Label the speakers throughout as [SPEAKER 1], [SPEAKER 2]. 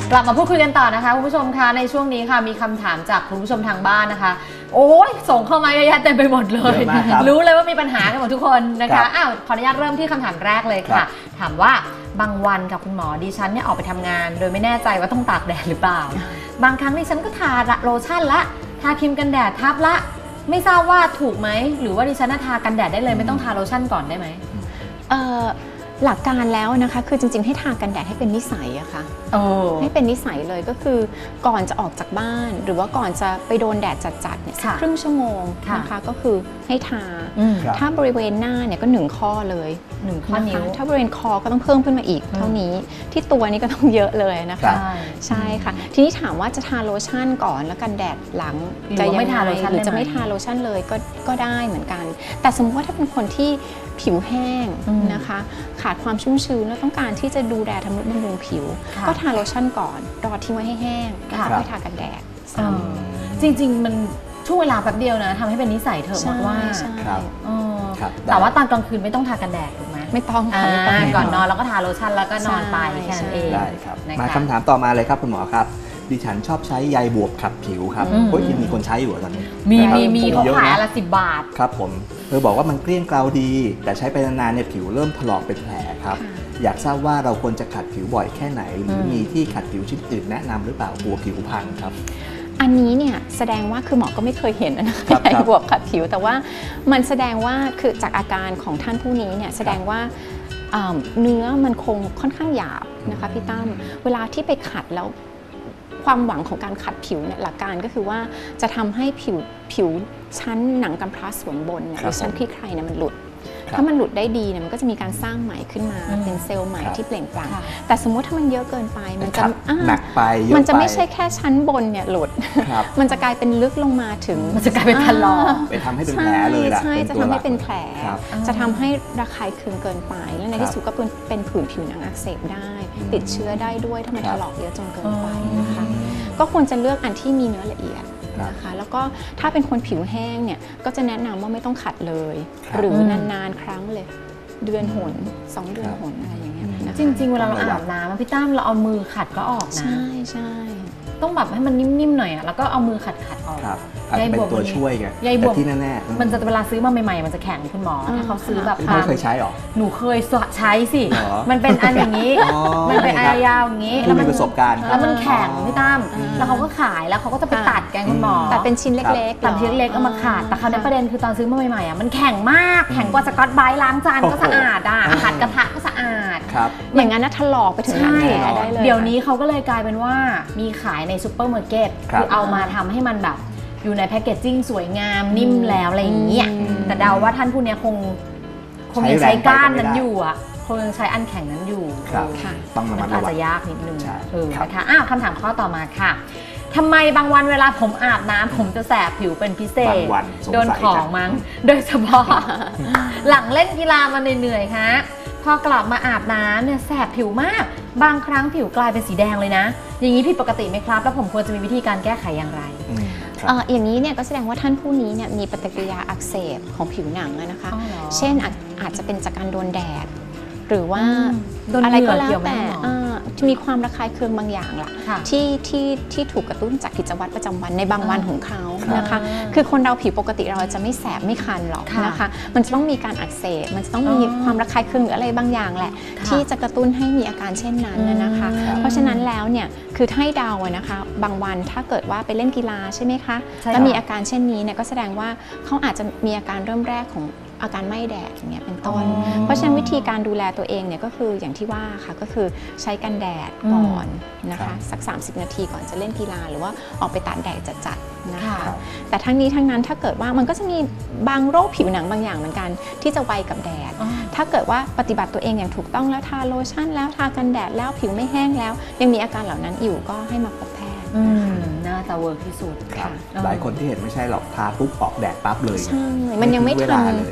[SPEAKER 1] กลับมาพูดคุยกันต่อนะคะคุณผู้ชมคะในช่วงนี้ค่ะมีคำถามจากคุณผู้ชมทางบ้านนะคะโอ้ยส่งเข้ามาเยอะแยะเต็มไปหมดเลยรู้เลยว่ามีปัญหากันหมดทุกคนนะคะขออนุญาตเริ่มที่คำถามแรกเลยค่ะถามว่าบางวันกับคุณหมอดิฉันเนี่ยออกไปทำงานโดยไม่แน่ใจว่าต้องตากแดดหรือเปล่าบางครั้งดิฉันก็ทาโลชั่นละทาครีมกันแดดทับละไม่ทราบว่าถูกไหมหรือว่าดิฉันทากันแดดได้เลยไม่ต้องทาโลชั่นก่อนได้ไหม
[SPEAKER 2] หลักการแล้วนะคะคือจริงๆให้ทากันแดดให้เป็นนิสัยอะค่ะให้เป็นนิสัยเลยก็คือก่อนจะออกจากบ้านหรือว่าก่อนจะไปโดนแดดจัดๆเนี่ยครึ่งชั่วโมงนะคะก็คือให้ทาถ้าบริเวณหน้าเนี่ยก็1ข้อเลย
[SPEAKER 1] 1ข้อนิ้ว
[SPEAKER 2] ถ้าบริเวณคอก็ต้องเพิ่มขึ้นมาอีกเท่านี้ที่ตัวนี้ก็ต้องเยอะเลยนะคะใช่ค่ะทีนี้ถามว่าจะทาโลชั่นก่อนแล้วกันแดดหลัง
[SPEAKER 1] จะยังไม่ทาโลชั่น
[SPEAKER 2] หรือจะไม่ทาโลชั่นเลยก็ได้เหมือนกันแต่สมมติว่าถ้าเป็นคนที่ผิวแห้งนะคะขาดความชุ่มชื้นแล้วต้องการที่จะดูแลทำนุบำรุงผิวก็ทาโลชั่นก่อนรอทิ้งไว้ให้แห้งแล้วค่อยทากันแดด
[SPEAKER 1] จริงๆมันช่วงเวลาแป๊บเดียวนะทำให้เป็นนิสัยเถอะหมดว่าแต่ว่าตอนกลางคืนไม่ต้องทากันแดดถูกไหม
[SPEAKER 2] ไม่ต้องค่ะ
[SPEAKER 1] ก่อนนอนแล้วก็ทาโลชั่นแล้วก็นอนไปแค่นั้นเอง
[SPEAKER 3] ได้ครับมาคำถามต่อมาเลยครับคุณหมอครับดิฉันชอบใช้ใยบวบขัดผิวครับยังมีคนใช้อยู่ตอนนี้
[SPEAKER 1] มีเขาขายละ10 บาท
[SPEAKER 3] ครับผมบอกว่ามันเกลี้ยงเกลาดีแต่ใช้ไปนานๆเนี่ยผิวเริ่มถลอกเป็นแผลครับอยากทราบว่าเราควรจะขัดผิวบ่อยแค่ไหนหรือมีที่ขัดผิวชิ้นอื่นแนะนำหรือเปล่ากลัวผิวพังครับ
[SPEAKER 2] อันนี้เนี่ยแสดงว่าคือหมอก็ไม่เคยเห็นนะคะใยบวบขัดผิวแต่ว่ามันแสดงว่าคือจากอาการของท่านผู้นี้เนี่ยแสดงว่าเนื้อมันคงค่อนข้างหยาบนะคะพี่ตั้มเวลาที่ไปขัดแล้วความหวังของการขัดผิวเนี่ยหลักการก็คือว่าจะทำให้ผิวชั้นหนังกำพร้าส่วนบนเนี่ยหรือชั้นคลี่คลายเนี่ยมันหลุดถ้ามันหลุดได้ดีเนี่ยมันก็จะมีการสร้างใหม่ขึ้นมาเป็นเซลล์ใหม่ที่เปล่งปลั่งแต่สมมุติถ้ามันเยอะเกินไปมันจะ
[SPEAKER 3] หนักไป
[SPEAKER 2] มันจะไม่ใช่แค่ชั้นบนเนี่ยหลุดมันจะกลายเป็นลึกลงมาถึง
[SPEAKER 1] มันจะกลายเป็นถลอก
[SPEAKER 3] ไปทำให้เป็นแผลเลยล่ะ
[SPEAKER 2] ใช่จะทำให้เป็นแผลจะทำให้ระคายเคืองเกินไปและในที่สุดก็เป็นผื่นผิวหนังอักเสบได้ติดเชื้อได้ด้วยถ้ามันถลอกเยอะจนเกินไปนะคะก็ควรจะเลือกอันที่มีเนื้อละเอียดนะคะแล้วก็ถ้าเป็นคนผิวแห้งเนี่ยก็จะแนะนำว่าไม่ต้องขัดเลยหรือนานๆครั้งเลยเดือนหน2 เดือนหนอะไรอย่างเงี้ย
[SPEAKER 1] จริงๆเวลาเราอาบน้ำพี่ตั้มเราเอามือขัดก็ออกนะ
[SPEAKER 2] ใช่
[SPEAKER 1] ต้องแบบให้มันนิ่มๆหน่อยอ่ะแล้วก็เอามือขัดออก
[SPEAKER 3] ใยบวบเป็นตัวช่วยไงแต่ที่แน่ๆ
[SPEAKER 1] มันจะเวลาซื้อมาใหม่ๆมันจะแข็งคุณหมอถ้าเขาซื้อแบบ
[SPEAKER 3] ไม่เคยใช้หรอ
[SPEAKER 1] หนูเคยใช้สิมันเป็นอันอย่างนี้มันเป็นอันยาวอย่างนี้
[SPEAKER 3] แล้วมันประสบการณ์
[SPEAKER 1] แล้วมันแข็งพี่ตั้มแล้วเขาก็ขายแล้วเขาก็จะไปตัดแกงคุณหมอ
[SPEAKER 2] แต่เป็นชิ้นเล็ก
[SPEAKER 1] ๆตัดชิ้นเล็กเอามาขาดแต่เขาในประเด็นคือตอนซื้อมาใหม่ๆอ่ะมันแข็งมากแข็งกว่าสกอตไบรท์ล้างจานก็สะอาดอ่ะขัดกระทะก็สะอาด
[SPEAKER 2] อย่างนั้นนะถลอกไปถึงหนังแผลได้เลย
[SPEAKER 1] เดี๋ยวนี้เขาก็เลยกลายเป็นว่ามีขายในซูเปอร์มาร์เก็ตคือเอามาทำให้มันแบบอยู่ในแพคเกจจิ้งสวยงามนิ่มแล้วอะไรอย่างเงี้ยแต่เดาว่าท่านผู้นี้คงยังใช้ก้านนั้นอยู่อ่ะคงยังใช้อันแข็งนั้นอยู่
[SPEAKER 3] ต้องระมัดระวัง
[SPEAKER 1] อาจจะยากนิดนึงนะคะคำถามข้อต่อมาค่ะทำไมบางวันเวลาผมอาบน้ำผมจะแสบผิวเป็นพิเศษโดนของมั้งโดยเฉพาะหลังเล่นกีฬามาเหนื่อยๆฮะพอกลับมาอาบน้ำเนี่ยแสบผิวมากบางครั้งผิวกลายเป็นสีแดงเลยนะอย่างนี้ผิดปกติไหมครับแล้วผมควรจะมีวิธีการแก้ไขอย่างไร
[SPEAKER 2] อย่างนี้เนี่ยก็แสดงว่าท่านผู้นี้เนี่ยมีปฏิกิริยาอักเสบของผิวหนังนะคะเช่นอาจจะเป็นจากการโดนแดดหรือว่าอะไรก็แล้วแต่จะมีความระคายเคืองบางอย่างล่ะที่ถูกกระตุ้นจากกิจวัตรประจำวันในบางวันของเขานะคะคือคนเราผิวปกติเราจะไม่แสบไม่คันหรอกนะคะมันจะต้องมีการอักเสบมันจะต้องมีความระคายเคืองหรืออะไรบางอย่างแหละที่จะกระตุ้นให้มีอาการเช่นนั้นนะคะเพราะฉะนั้นแล้วเนี่ยคือให้เดานะคะบางวันถ้าเกิดว่าไปเล่นกีฬาใช่ไหมคะแล้วมีอาการเช่นนี้เนี่ยก็แสดงว่าเขาอาจจะมีอาการเริ่มแรกของอาการไม่แดดอย่างเงี้ยเป็นต้นเพราะฉะนั้นวิธีการดูแลตัวเองเนี่ยก็คืออย่างที่ว่าค่ะก็คือใช้กันแดดก่อนนะคะสัก30 นาทีก่อนจะเล่นกีฬาหรือว่าออกไปตากแดดจัดๆนะคะแต่ทั้งนี้ทั้งนั้นถ้าเกิดว่ามันก็จะมีบางโรคผิวหนังบางอย่างเหมือนกันที่จะไวกับแดดถ้าเกิดว่าปฏิบัติตัวเองอย่างถูกต้องแล้วทาโลชั่นแล้วทากันแดดแล้วผิวไม่แห้งแล้วยังมีอาการเหล่านั้นอยู่ก็ให้มาพบแพทย์
[SPEAKER 1] น่าจะเวิร์กที่สุด
[SPEAKER 3] หลายคนที่เห็นไม่ใช่หรอกทาปุ๊บออกแดดปั๊บเลย
[SPEAKER 2] ใช่มันยังไม่ทัน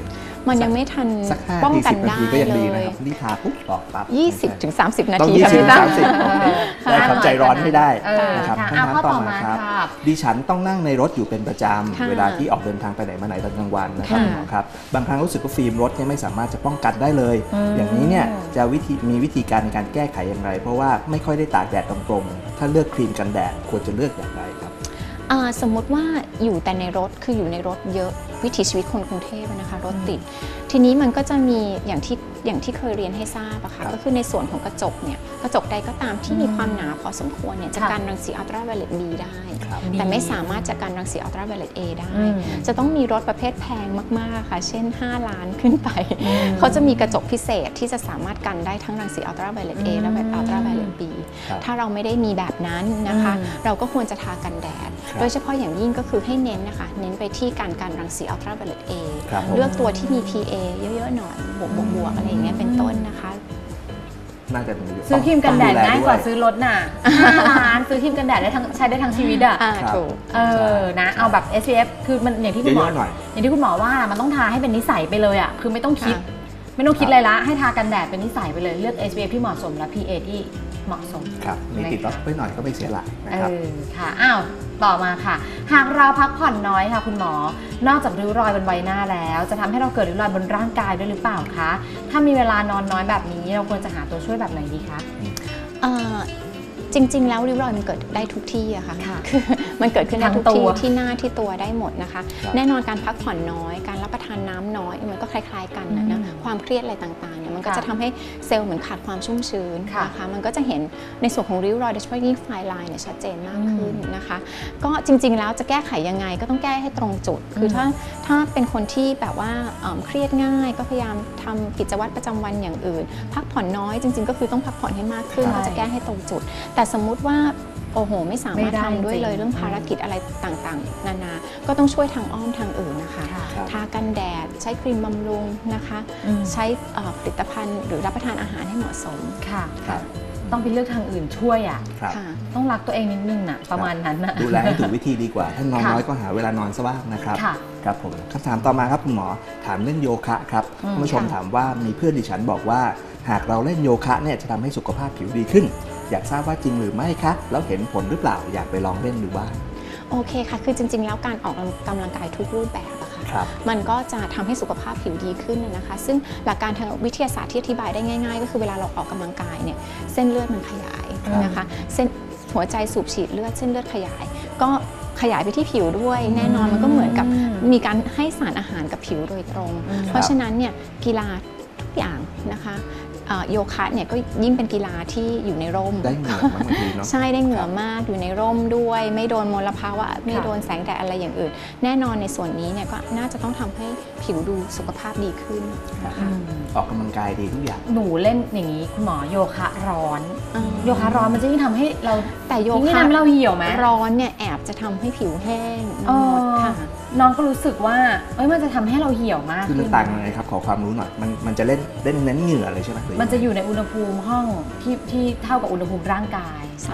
[SPEAKER 2] มันยังไม่ทัน
[SPEAKER 3] สัก5
[SPEAKER 2] ป้อง
[SPEAKER 3] ที
[SPEAKER 2] กัน
[SPEAKER 3] 10 นา
[SPEAKER 2] ได้
[SPEAKER 3] ทีก็ยัง
[SPEAKER 2] เล
[SPEAKER 3] ดีนะ
[SPEAKER 2] ย
[SPEAKER 3] ครับนี่ทาปุ๊บออกปั๊บ
[SPEAKER 2] 20 ถึง 30 นา
[SPEAKER 3] ต้อง
[SPEAKER 2] ที
[SPEAKER 3] 20
[SPEAKER 2] ค่ะ
[SPEAKER 3] ถึ
[SPEAKER 2] พี่
[SPEAKER 3] ง
[SPEAKER 2] ตั้ม
[SPEAKER 3] 30โอเคได้ครับใจร้อนไม่ได้นะครับ
[SPEAKER 1] ค่ะ
[SPEAKER 3] คำถาม
[SPEAKER 1] ข้อ
[SPEAKER 3] ต่
[SPEAKER 1] ต่
[SPEAKER 3] อ
[SPEAKER 1] อ
[SPEAKER 3] มา
[SPEAKER 1] มา
[SPEAKER 3] ครับ
[SPEAKER 1] ค่ะ
[SPEAKER 3] ดิฉันต้องนั่งในรถอยู่เป็นประจ
[SPEAKER 2] ค่ะ
[SPEAKER 3] ำเวลาที่ออกเดินทางไปไหนมาไหนตอนกลางวันนะครับ
[SPEAKER 2] ค่ะ
[SPEAKER 3] คุณหมอครับบางครั้งรู้สึกว่าฟิล์มรถเนี่ยไม่สามารถจะป้องกันได้เลย อย่างนี้เนี่ยจะมีวิธีการในการแก้ไขอย่างไร เพราะว่าไม่ค่อยได้ตากแดดตรงๆถ้าเลือกครีมกันแดดควรจะเลือกอย่างไรครับ
[SPEAKER 2] สมมติว่าอยู่แต่ในรถคืออยู่ในรถเยอะวิถีชีวิตคนกรุงเทพนะคะรถติด ทีนี้มันก็จะมีอย่างที่เคยเรียนให้ทราบอะค่ะก็คือในส่วนของกระจกเนี่ยกระจกใดก็ตามที่มีความหนาพอสมควรเนี่ยจะกันรังสีอัลตราไวโอเลต B ได้
[SPEAKER 3] ครับ
[SPEAKER 2] แต่ไม่สามารถจะกันรังสีอัลตราไวโอเลต A ได้ จะต้องมีรถประเภทแพงมากๆค่ะเช่น5 ล้านขึ้นไปเขาจะมีกระจกพิเศษที่จะสามารถกันได้ทั้งรังสีอัลตราไวโอเลต A และอัลตราไวโอเลต B
[SPEAKER 3] ครับ
[SPEAKER 2] ถ้าเราไม่ได้มีแบบนั้นนะคะเราก็ควรจะทากันแดด
[SPEAKER 3] ครับ
[SPEAKER 2] โดยเฉพาะอย่างยิ่งก็คือให้เน้นนะคะเน้นไปที่การกันรังสีอัลตราไวโอเลต A
[SPEAKER 3] ครับผม
[SPEAKER 2] เลือกตัวที่มี PA เยอะๆหน่อยบวกๆอะไรอย่างเงี้ยเป็นต้นนะคะ
[SPEAKER 3] น่าจะมี
[SPEAKER 1] ซื้อครีมกันแดด
[SPEAKER 3] ต้
[SPEAKER 1] ง่ายกว่าซื้อรถน่ะ5 ล้านซื้อครีมกันแดดได้ทั้งใช้ได้ทั้งชีวิตอ่ะ
[SPEAKER 2] ถูก
[SPEAKER 1] นะเอาแบบ SPF คือมันอย่างที่คุณหมอ
[SPEAKER 3] เยอะๆหน่อย
[SPEAKER 1] อย่างที่คุณหมอว่ามันต้องทาให้เป็นนิสัยไปเลยอ่ะคือไม่ต้องคิดอะไรละให้ทากันแดดเป็นนิสัยไปเลยเลือก SPF ที่เหมาะสมและ PA ที่เหมาะสม
[SPEAKER 3] ครับมีติดรถไว้หน่อยก็ไม่เสียหลักนะครับ
[SPEAKER 1] ค่ะอ้าวต่อมาค่ะ หากเราพักผ่อนน้อยค่ะคุณหมอนอกจากริ้วรอยบนใบหน้าแล้ว จะทำให้เราเกิดริ้วรอยบนร่างกายด้วยหรือเปล่าคะถ้ามีเวลานอนน้อยแบบนี้เราควรจะหาตัวช่วยแบบไหนดีคะ
[SPEAKER 2] จริงๆ แล้วริ้วรอยมันเกิดได้ทุกที่อะค่ะ
[SPEAKER 1] ค่ะ
[SPEAKER 2] คือมันเกิดขึ้นได้ทุก
[SPEAKER 1] ทั้งตั
[SPEAKER 2] ที่
[SPEAKER 1] ว
[SPEAKER 2] ที่หน้าที่ตัวได้หมดนะคะ
[SPEAKER 3] ครับ
[SPEAKER 2] แน่นอนการพักผ่อนน้อย การรับประทานน้ำน้อยมันก็คล้ายๆกันนะความเครียดอะไรต่างๆเนี่ยมันก็จะทำให้เซลล์เหมือนขาดความชุ่มชื้นนะคะมันก็จะเห็นในส่วนของริ้วรอยโดยเฉพาะยิ่งไฟไลน์เนี่ยชัดเจนมากขึ้นนะคะ ก็จริงๆ แล้วจะแก้ไขยังไงก็ต้องแก้ให้ตรงจุด คือถ้าเป็นคนที่แบบว่าเครียดง่ายก็พยายามทำกิจวัตรประจำวันอย่างอื่น พักผ่อนน้อยจริงๆ ก็คือต้องพักผ่อนให้มากขึ้น
[SPEAKER 1] ใช่
[SPEAKER 2] ก็จะแก้ให้ตรงจุด แต่สมมุติว่าโอ้โหไม่สามารถ
[SPEAKER 1] ไม่ได้
[SPEAKER 2] ทำด้วยเลย
[SPEAKER 1] จริง
[SPEAKER 2] เรื่องภารกิจอะไรต่างๆ นานาก็ต้องช่วยทางอ้อมทางอื่นนะคะ
[SPEAKER 1] ค่ะ
[SPEAKER 3] ครับ
[SPEAKER 2] ทากันแดดใช้ครีมบำรุงนะคะ ใช้ผลิตภัณฑ์หรือรับประทานอาหารให้เหมาะสม
[SPEAKER 1] ค่ะ
[SPEAKER 3] ครับ
[SPEAKER 1] ต้องไปเลือกทางอื่นช่วยอ่ะ
[SPEAKER 3] ครับ
[SPEAKER 2] ค่ะ
[SPEAKER 1] ต้องรักตัวเองนิดนึงน่ะประมาณนั้นน่ะ
[SPEAKER 3] ดูแลให้ถูกวิธีดีกว่า ถ้านอน
[SPEAKER 1] ค่ะ
[SPEAKER 3] น้อยก็หาเวลานอนซะบ้างนะครับ
[SPEAKER 1] ค่ะ
[SPEAKER 3] ครับผมคำถามต่อมาครับคุณหมอถามเรื่องโยคะครับคุณผู้ชมถามว่ามีเพื่อนดิฉันบอกว่า หากเราเล่นโยคะเนี่ยจะทำให้สุขภาพผิวดีขึ้น อยากทราบว่าจริงหรือไม่คะแล้วเห็นผลหรือเปล่าอยากไปลองเล่นดูบ้าง
[SPEAKER 2] โอเคค่ะ คือจริงๆ แล้วการออกกำลังกายทุกรูปแบบอะค่ะ
[SPEAKER 3] ครับ
[SPEAKER 2] มันก็จะทำให้สุขภาพผิวดีขึ้นนะคะ ซึ่งหลักการทางวิทยาศาสตร์ที่อธิบายได้ง่ายๆ ก็คือเวลาเราออกกำลังกายเนี่ยเส้นเลือดมันขยายนะคะเส้นหัวใจสูบฉีดเลือดเส้นเลือดขยาย ก็ขยายไปที่ผิวด้วย แน่นอนมันก็เหมือนกับมีการให้สารอาหารกับผิวโดยตรง เพราะฉะนั้นเนี่ยกีฬาทุกอย่างนะคะโยคะเนี่ยก็ยิ่งเป็นกีฬาที่อยู่ในร่ม
[SPEAKER 3] ได้เหงื่อมากบางทีเนาะ
[SPEAKER 2] ใช่ได้เหงื่อมากอยู่ในร่มด้วย ไม่โดนมลภาวะไม่โดนแสงแดดอะไรอย่างอื่น แน่นอนในส่วนนี้เนี่ยก็น่าจะต้องทำให้ผิวดูสุขภาพดีขึ้นนะคะ
[SPEAKER 3] ออกกำลังกายดีทุกอย่าง
[SPEAKER 1] หนูเล่นอย่างนี้คุณหมอโยคะร้อน
[SPEAKER 2] อืม
[SPEAKER 1] โยคะร้อนมันจะยิ่งทำให้เรา
[SPEAKER 2] แต่โย
[SPEAKER 1] ยิ่ง
[SPEAKER 2] คะ
[SPEAKER 1] ทำให้เราเหี่ยวไหม
[SPEAKER 2] ร้อนเนี่ยแอบจะทำให้ผิวแห้ง
[SPEAKER 1] เออ
[SPEAKER 2] หมดค่ะ
[SPEAKER 1] น้องก็รู้สึกว่ามันจะทำให้เราเหี่ยวมาก
[SPEAKER 3] คือมัน
[SPEAKER 1] ขึ้น
[SPEAKER 3] ต่างยังไงครับขอความรู้หน่อยมันจะเล่นเน้นเหงื่อเลยใช่ไหมหรือ
[SPEAKER 1] มันจะอยู่ในอุณหภูมิห้องที่เท่ากับอุณหภูมิร่างกาย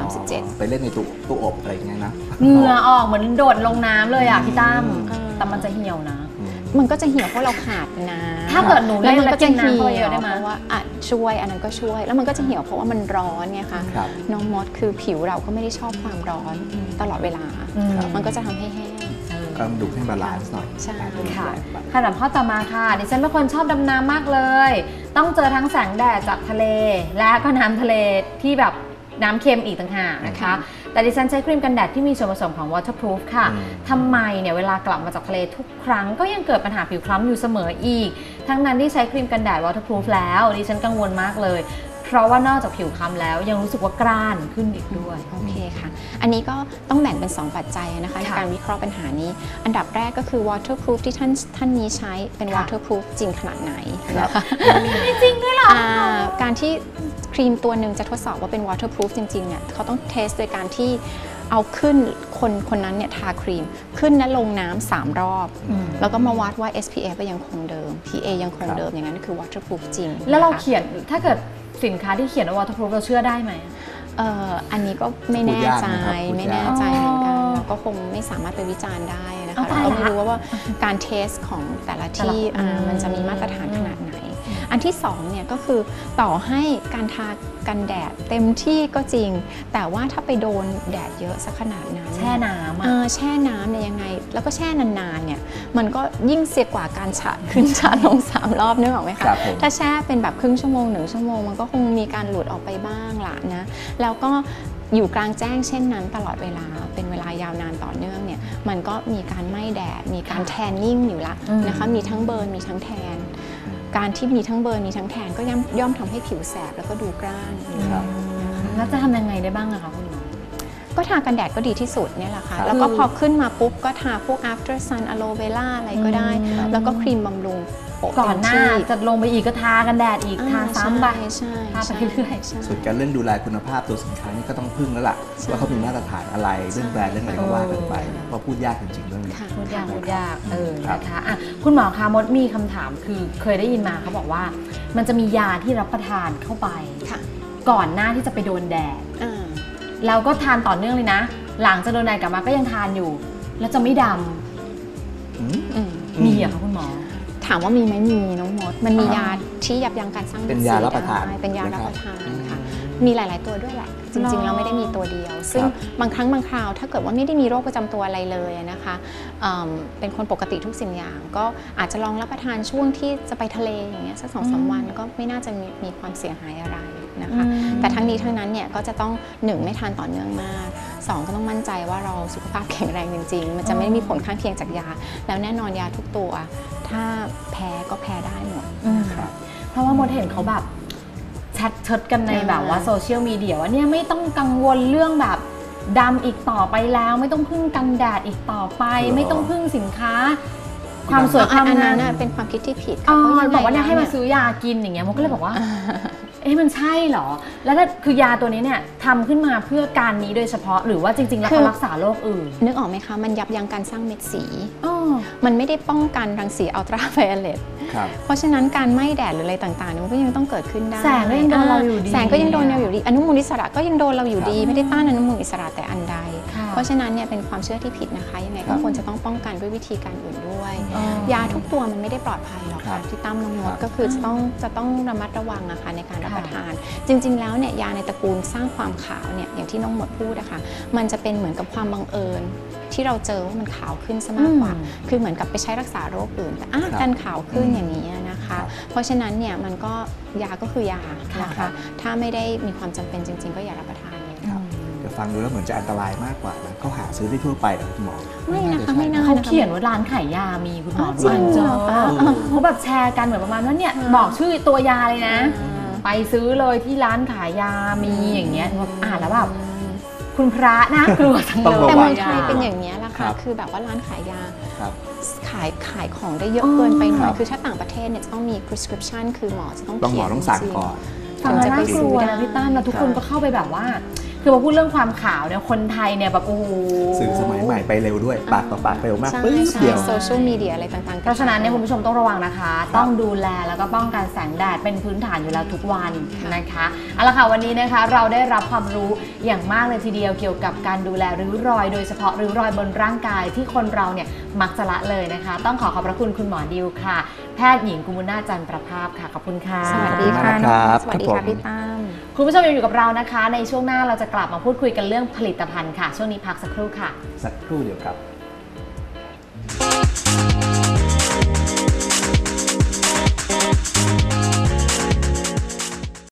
[SPEAKER 2] 37
[SPEAKER 3] ไปเล่นในตู้อบอะไรอย่างเงี้ยนะ
[SPEAKER 1] เหงื่อออกเหมือนโดดลงน้ำเลยอ่ะพี่ตั้ม
[SPEAKER 2] อืม
[SPEAKER 1] แต่มันจะเหี่ยวนะ
[SPEAKER 2] มันก็จะเหี่ยวเพราะเราขาดน้ำ
[SPEAKER 1] ถ้าเกิดหนูเล่น
[SPEAKER 2] มั
[SPEAKER 1] แล้ว
[SPEAKER 2] ก็
[SPEAKER 1] กิ
[SPEAKER 2] จะ
[SPEAKER 1] นน้ำ
[SPEAKER 2] เหี่
[SPEAKER 1] เข้าไป
[SPEAKER 2] ย
[SPEAKER 1] เยว อะได้
[SPEAKER 2] เพ
[SPEAKER 1] ไหม
[SPEAKER 2] ราะว่าช่วยอันนั้นก็ช่วย แล้วมันก็จะเหี่ยวเพราะว่ามันร้อนไงคะ
[SPEAKER 3] ครับ
[SPEAKER 2] น้องมดคือผิวเราก็ไม่ได้ชอบความร้อนตลอดเวลา
[SPEAKER 3] ครับ
[SPEAKER 2] มันก็จะทำให้แห้ง
[SPEAKER 3] ก็ดูให้บาลานซ์หน่อย
[SPEAKER 2] ใช่
[SPEAKER 1] ค่ะคำถามข้อต่อมาค่ะดิฉันเป็นคนชอบดำน้ำมากเลย ต้องเจอทั้งแสงแดดจากทะเล และก็น้ำทะเลที่แบบน้ำเค็มอีกต่างหากนะคะ แต่ดิฉันใช้ครีมกันแดดที่มีส่วนผสมของ waterproof ค่ะทำไมเนี่ยเวลากลับมาจากทะเลทุกครั้งก็ยังเกิดปัญหาผิวคล้ำอยู่เสมออีก ทั้งนั้นที่ใช้ครีมกันแดด waterproof แล้วดิฉันกังวลมากเลย เพราะว่านอกจากผิวคล้ำแล้วยังรู้สึกว่ากร้านขึ้นอีกด้วย
[SPEAKER 2] โอเคค่ะ อันนี้ก็ต้องแบ่งเป็น 2 ปัจจัยนะคะใน
[SPEAKER 1] ค่ะ
[SPEAKER 2] การวิเคราะห์ปัญหานี้ อันดับแรกก็คือ waterproof ที่ท่านนี้ใช้เป็น
[SPEAKER 1] ค่ะ
[SPEAKER 2] waterproof จริงขนาดไหนนะคะ
[SPEAKER 1] จริงด้วยเหรอ
[SPEAKER 2] การที่ครีมตัวหนึ่งจะทดสอบว่าเป็น waterproof จริงๆเนี่ยเขาต้องเทสโดยการที่เอาขึ้นคนนั้นเนี่ยทาครีมขึ้นและลงน้ำ3 รอบ แล้วก็มาวัดว่า SPF ยังคงเดิม PA ยังคงเดิมอย่างนั้นคือ waterproof จริง
[SPEAKER 1] แล้วเรา
[SPEAKER 2] นะคะ
[SPEAKER 1] เขียนถ้าเกิดสินค้าที่เขียนว่า waterproof เราเชื่อได้ไหม
[SPEAKER 2] อันนี้ก็ไม่แน่ใจ
[SPEAKER 3] พูดยากนะครับพูดยาก
[SPEAKER 2] ไม่แน่ใจเหมือนกันเราก็คงไม่สามารถไปวิจารณ์ได้นะค่ะเราก็ไม่รู้ว่าการเทสของแต่ละที่มันจะมีมาตรฐานขนาดไหนอันที่2เนี่ยก็คือต่อให้การทากันแดดเต็มที่ก็จริงแต่ว่าถ้าไปโดนแดดเยอะสักขนาดนั้น
[SPEAKER 1] แช่น้ำ
[SPEAKER 2] แช่น้ำเนี่ยยังไงแล้วก็แช่นานๆเนี่ยมันก็ยิ่งเสียกว่าการฉาดขึ้นฉาดลง3 รอบนึกออกไหมคะถ้าแช่เป็นแบบครึ่งชั่วโมง1 ชั่วโมงมันก็คงมีการหลุดออกไปบ้างละนะแล้วก็อยู่กลางแจ้งเช่นนั้นตลอดเวลาเป็นเวลายาวนานต่อเนื่องเนี่ยมันก็มีการไหม้แดดมีการแทนนิ่งอยู่ละนะคะมีทั้งเบิร์นมีทั้งแทนการที่มีทั้งเบิร์นมีทั้งแทนก็ย่อมทำให้ผิวแสบแล้วก็ดูกร้าน
[SPEAKER 1] แล้วจะทำยังไงได้บ้างอะคะคุณหมอ
[SPEAKER 2] ก็ทากันแดดก็ดีที่สุดเนี่ยแหละค่ะแล้วก็พอขึ้นมาปุ๊บก็ทาพวก after sun aloe vera อะไรก็ได้แล้วก็ครีมบำรุง
[SPEAKER 1] ก่อนหน้าจะลงไปอีกก็ทากันแดดอีกทาซ้ำไปทาไปเรื่อย
[SPEAKER 3] ส่วนการเรื่องดูแลคุณภาพตัวสินค้านี่ก็ต้องพึ่งแล้วล่ะว่าเขามีมาตรฐานอะไรเรื่องแบรนด์เรื่องอะไรก็ว่ากันไปเพราะพูดยากจริงๆเรื่องนี้
[SPEAKER 1] พูดยากนะคะคุณหมอคะมดมีคำถามคือเคยได้ยินมาเขาบอกว่ามันจะมียาที่รับประทานเข้าไปก่อนหน้าที่จะไปโดนแดดเราก็ทานต่อเนื่องเลยนะหลังจะโดนแดดกลับมาก็ยังทานอยู่แล้วจะไม่ดำมีเหรอคะคุณหมอ
[SPEAKER 2] ถามว่ามีไหมมีน้องมดมันมียาที่ยับยั้งการสร้าง
[SPEAKER 3] เป็นยารับประทาน
[SPEAKER 2] เป็นยารับประทานค่ะมีหลายๆตัวด้วยแหละจริงๆเราไม่ได้มีตัวเดียวซึ่งบางครั้งบางคราวถ้าเกิดว่าไม่ได้มีโรคประจำตัวอะไรเลยนะคะเป็นคนปกติทุกสิ่งอย่างก็อาจจะลองรับประทานช่วงที่จะไปทะเลอย่างเงี้ยสัก2-3 วันก็ไม่น่าจะมีความเสียหายอะไรนะคะแต่ทั้งนี้ทั้งนั้นเนี่ยก็จะต้อง1ไม่ทานต่อเนื่องมาก2ก็ต้องมั่นใจว่าเราสุขภาพแข็งแรงจริงๆมันจะไม่มีผลข้างเคียงจากยาแล้วแน่นอนยาทุกตัวถ้าแพ้ก็แพ้ได้หมด
[SPEAKER 1] เพราะว่ามดเห็นเขาแบบแชทเชิดกันในแบบว่าโซเชียลมีเดียว่าเนี่ยไม่ต้องกังวลเรื่องแบบดำอีกต่อไปแล้วไม่ต้องพึ่งกันแดดอีกต่อไปไม่ต้องพึ่งสินค้าความสวยความงาม
[SPEAKER 2] เป็นความคิดที่ผิด
[SPEAKER 1] บอกว่าเนี่ยให้มาซื้อยากินอย่างเงี้ยมดก็เลยบอกว่ามันใช่เหรอแล้วคือยาตัวนี้เนี่ยทำขึ้นมาเพื่อการนี้โดยเฉพาะหรือว่าจริงๆแล้วเขารักษาโรคอื่น
[SPEAKER 2] นึกออกไหมคะมันยับยั้งการสร้างเม็ดสีมันไม่ได้ป้องกันรังสีอัลตราไวโอเลตเพราะฉะนั้นการไหม้แดดหรืออะไรต่างๆมันก็ยังต้องเกิดขึ้นได้
[SPEAKER 1] แสงก็ยังโดนเราอยู่ดี
[SPEAKER 2] แสงก็ยังโดนเราอยู่ดีอนุมูลอิสระก็ยังโดนเราอยู่ดีไม่ได้ต้านอนุมูลอิสระแต่อันใดเพราะฉะนั้นเนี่ยเป็นความเชื่อที่ผิดนะคะยังไงก็ควรจะต้องป้องกันด้วยวิธีการอื่นด้วยยาทุกตัวมันไม่ได้ปลอดภัยหรอกค่ะที่ตั้มน้องมดก็คือจะต้องระมัดระวังนะคะในการรับประทานจริงๆแล้วเนี่ยยาในตระกูลสร้างความขาวเนี่ยอย่างที่น้องมดพูดนะคะมันจะเป็นเหมือนกับความบังเอิญที่เราเจอว่ามันขาวขึ้นซะมากกว่าคือเหมือนกับไปใช้รักษาโรคอื่นแต่การขาวขึ้นอย่างนี้นะคะเพราะฉะนั้นเนี่ยมันก็ยาก็คือยานะคะถ้าไม่ได้มีความจำเป็นจริงๆก็อย่ารับประทานเลย
[SPEAKER 3] เดี๋ยวฟังดูแล้วเหมือนจะอันตรายมากกว่านะเขาหาซื้อได้ทั่วไปเหรอคุณหมอ
[SPEAKER 2] ไม่นะคะไม่น่า
[SPEAKER 1] เขาเขียนว่าร้านขายยามีคุณหมอจริงเขาแบบแชร์กันเหมือนประมาณว่าเนี่ยบอกชื่อตัวยาเลยนะไปซื้อเลยที่ร้านขายยามีอย่างเงี้ยอ่านแล้วแบบคุณพระน่ากลัวจังเลย
[SPEAKER 2] แต่เมืองไทยเป็นอย่างนี้แหละค่ะคือแบบว่าร้านขายยาขายของได้เยอะเกินไปหน่อยคือถ้าต่างประเทศเนี่ยจะต้องมี prescription คือหมอจะต้องเขียน
[SPEAKER 3] ต้องสั่งก่อน
[SPEAKER 1] ถึงจะไปซื้อได้พี่ตั้มแล้วทุกคนก็เข้าไปแบบว่าคือมาพูดเรื่องความขาวเนี่ยคนไทยเนี่ยแบบโอ้โห
[SPEAKER 3] สื่อสมัยใหม่ไปเร็วด้วยปากต่อปากเร็วมากปึ๊บเดียว
[SPEAKER 2] โซเชียลมีเดียอะไรต่างๆ
[SPEAKER 1] เพราะฉะนั้นเนี่ยคุณผู้ชมต้องระวังนะคะต้องดูแลแล้วก็ป้องกันแสงแดดเป็นพื้นฐานอยู่แล้วทุกวันนะคะเอาละค่ะวันนี้นะคะเราได้รับความรู้อย่างมากเลยทีเดียวเกี่ยวกับการดูแลริ้วรอยโดยเฉพาะริ้วรอยบนร่างกายที่คนเราเนี่ยมักจะละเลยนะคะต้องขอบพระคุณคุณหมอดิวค่ะแพทย์หญิงกุมุนาจันทร์ประภาพค่ะขอบคุณค่ะ
[SPEAKER 2] สวัสดีค่ะสวัสดีค่ะพี่ตั้ม
[SPEAKER 1] คุณผู้ชมยังอยู่กับเรานะคะในช่วงหน้าเราจะกลับมาพูดคุยกันเรื่องผลิตภัณฑ์ค่ะช่วงนี้พักสักครู่ค่ะ
[SPEAKER 3] สักครู่เดียวครับ